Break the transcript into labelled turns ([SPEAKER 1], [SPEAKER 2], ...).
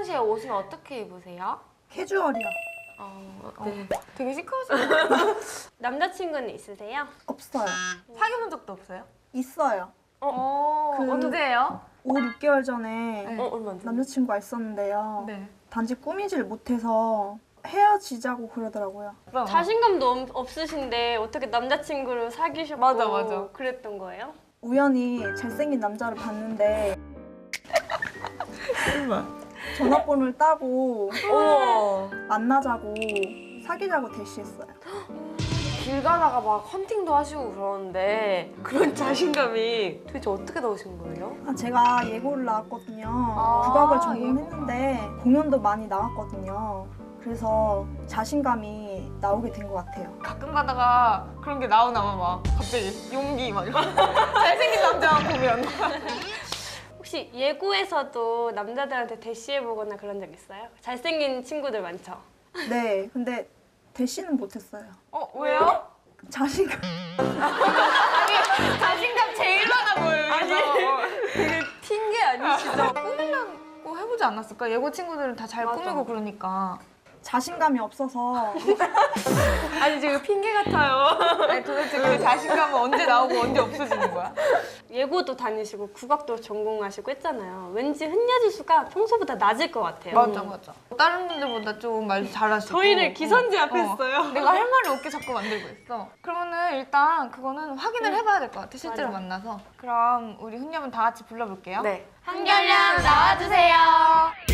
[SPEAKER 1] 평소에 옷은 어떻게 입으세요?
[SPEAKER 2] 캐주얼이요.
[SPEAKER 1] 네. 되게 시크하시네요.
[SPEAKER 3] 남자친구는 있으세요?
[SPEAKER 2] 없어요.
[SPEAKER 1] 사귀어본 적도 없어요?
[SPEAKER 2] 있어요.
[SPEAKER 1] 언제예요?
[SPEAKER 2] 5, 6개월 전에
[SPEAKER 1] 네.
[SPEAKER 3] 얼마 안 돼?
[SPEAKER 2] 남자친구가 있었는데요.
[SPEAKER 1] 네.
[SPEAKER 2] 단지 꾸미질 못해서 헤어지자고 그러더라고요.
[SPEAKER 3] 자신감도 없으신데 어떻게 남자친구를 사귀셨고
[SPEAKER 1] 맞아.
[SPEAKER 3] 그랬던 거예요?
[SPEAKER 2] 우연히 잘생긴 남자를 봤는데 전화번호를 따고 만나자고 사귀자고 대시했어요.
[SPEAKER 3] 길 가다가 막 헌팅도 하시고 그러는데 그런 자신감이 도대체 어떻게 나오신 거예요?
[SPEAKER 2] 제가 예고를 나왔거든요. 국악을 전공했는데 공연도 많이 나왔거든요. 그래서 자신감이 나오게 된 것 같아요.
[SPEAKER 1] 가끔 가다가 그런 게 나오나 막 갑자기 용기 막 이런 잘생긴 남자 보면
[SPEAKER 3] 혹시 예고에서도 남자들한테 대시해보거나 그런 적 있어요? 잘생긴 친구들 많죠?
[SPEAKER 2] 네, 근데 대시는 못했어요.
[SPEAKER 1] 왜요?
[SPEAKER 2] 자신감.
[SPEAKER 1] 자신감 제일 많아 보여요.
[SPEAKER 3] 되게 튄 게 아니시죠?
[SPEAKER 1] 꾸미려고 해보지 않았을까? 예고 친구들은 다 잘 꾸미고 그러니까.
[SPEAKER 2] 자신감이 없어서
[SPEAKER 3] 아니 지금 핑계 같아요.
[SPEAKER 1] 아니, 도대체 그 자신감은 언제 나오고 언제 없어지는 거야?
[SPEAKER 3] 예고도 다니시고 국악도 전공하시고 했잖아요. 왠지 흔녀지수가 평소보다 낮을 것 같아요.
[SPEAKER 1] 맞아. 다른 분들보다 좀 말 잘하시고.
[SPEAKER 3] 저희를 기선제압했어요.
[SPEAKER 1] 내가 할 말을 없게 자꾸 만들고 있어. 그러면은 일단 그거는 확인을 해봐야 될 것 같아, 실제로
[SPEAKER 3] 맞아.
[SPEAKER 1] 만나서. 그럼 우리 훈녀분 다 같이 불러볼게요.
[SPEAKER 3] 네.
[SPEAKER 1] 한결량 나와주세요.